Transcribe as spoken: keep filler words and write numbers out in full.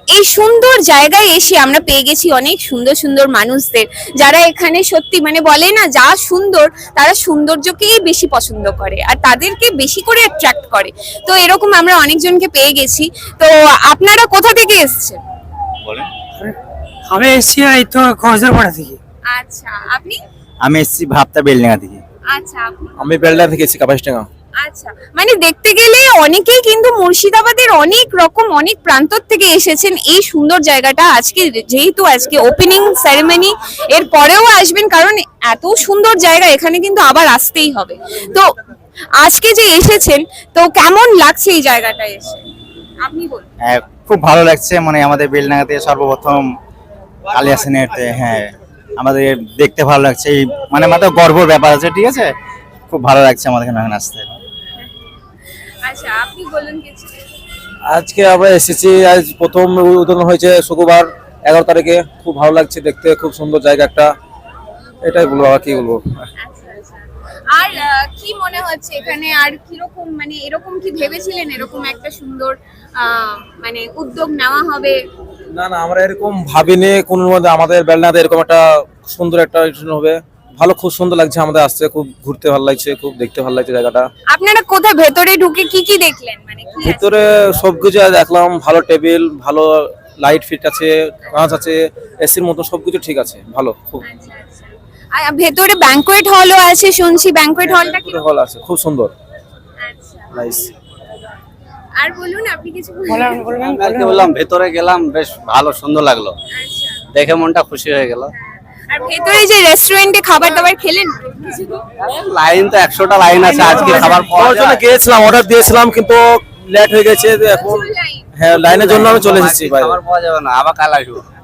এই সুন্দর জায়গায় এসে আমরা পেয়ে গেছি অনেক সুন্দর সুন্দর মানুষদের, যারা এখানে সত্যি মানে বলে না, যা সুন্দর তারা সৌন্দর্যকেই বেশি পছন্দ করে আর তাদেরকে বেশি করে অ্যাট্রাক্ট করে। তো এরকম আমরা অনেকজনকে পেয়ে গেছি। তো আপনারা কোথা থেকে এসেছেন? বলেন। আমি এসছি এই তো খোঁজরপাড়া থেকে। আচ্ছা, আপনি? আমি এসেছি ভাবতা বেলডাঙ্গা থেকে। আচ্ছা, আপনি? আমি বেলডাঙ্গা থেকে এসেছি, কাপাসডাঙ্গা। আচ্ছা, মানে দেখতে গেলে অনেকেই কিন্তু মুর্শিদাবাদের অনেক রকম অনেক প্রান্ত থেকে এসেছেন এই সুন্দর জায়গাটা আজকে, যেহেতু আজকে ওপেনিং সেরেমনি, এর পরেও আসবেন কারণ এত সুন্দর জায়গা, এখানে কিন্তু আবার আসতেই হবে। তো আজকে যে এসেছেন, তো কেমন লাগছে এই জায়গাটায় এসে আপনি বলুন। হ্যাঁ, খুব ভালো লাগছে। মানে আমাদের বেলডাঙ্গাতে সর্বপ্রথম আলিয়া সিনেতে, হ্যাঁ আমাদের দেখতে ভালো লাগছে। এই মানে আমাদের গর্বের ব্যাপার আছে, ঠিক আছে, খুব ভালো লাগছে আমাদের এখানে আসতে। আচ্ছা, আপনি বলুন কিছু। আজকে আমরা এসেছি, আজ প্রথম উদ্বোধন হয়েছে শুক্রবার এগারো তারিখে। খুব ভালো লাগছে দেখতে, খুব সুন্দর জায়গা একটা, এটাই বলবো, আর কি বলবো। আচ্ছা, আচ্ছা। আর আহ, কি মনে হচ্ছে এখানে, আর কিরকম মানে এরকম কি ভেবেছিলেন এরকম একটা সুন্দর আহ, মানে উদ্যোগ নেওয়া হবে? না না, আমরা এরকম ভাবিনি কোনো মধ্যে আমাদের বেলডাঙ্গাতে এরকম একটা সুন্দর একটা অনুষ্ঠান হবে। ভালো, খুব সুন্দর লাগছে আমাদের আসতে, খুব ঘুরতে ভালো লাগছে, খুব দেখতে ভালো লাগছে জায়গাটা। আপনারা কোথায় ভেতরে ঢুকে কি কি দেখলেন, মানে কি আছে? ভিতরে সবকিছু দেখলাম, ভালো টেবিল, ভালো লাইট ফিট আছে, কাঁচ আছে, এসির মতো সবকিছু ঠিক আছে, ভালো খুব। আচ্ছা, আচ্ছা। আর ভেতরে ব্যাংকোয়েট হলও আছে শুনছি, ব্যাংকোয়েট হলটা কি? হল আছে, খুব সুন্দর, আচ্ছা। নাইস। আর বলুন, আপনি কিছু বলুন। বলেন বলবেন কালকে বললাম ভেতরে গেলাম, বেশ ভালো সুন্দর লাগলো, আচ্ছা। দেখে মনটা খুশি হয়ে গেল। আর ভেতরে যে রেস্টুরেন্টে খাবার দাবার খেলেন? লাইন তো একশোটা লাইন আছে, আজকে খাবার পাওয়া খাওয়ার জন্য যায়। গিয়েছিলাম, অর্ডার দিয়েছিলাম, কিন্তু লেট হয়ে গেছে এখন। প্রচুর লাইন। হ্যাঁ, লাইনের জন্য আমি চলে এসেছি আজকে বাইরে। খাবার পাওয়া যাবে না, আবার কাল আসবো।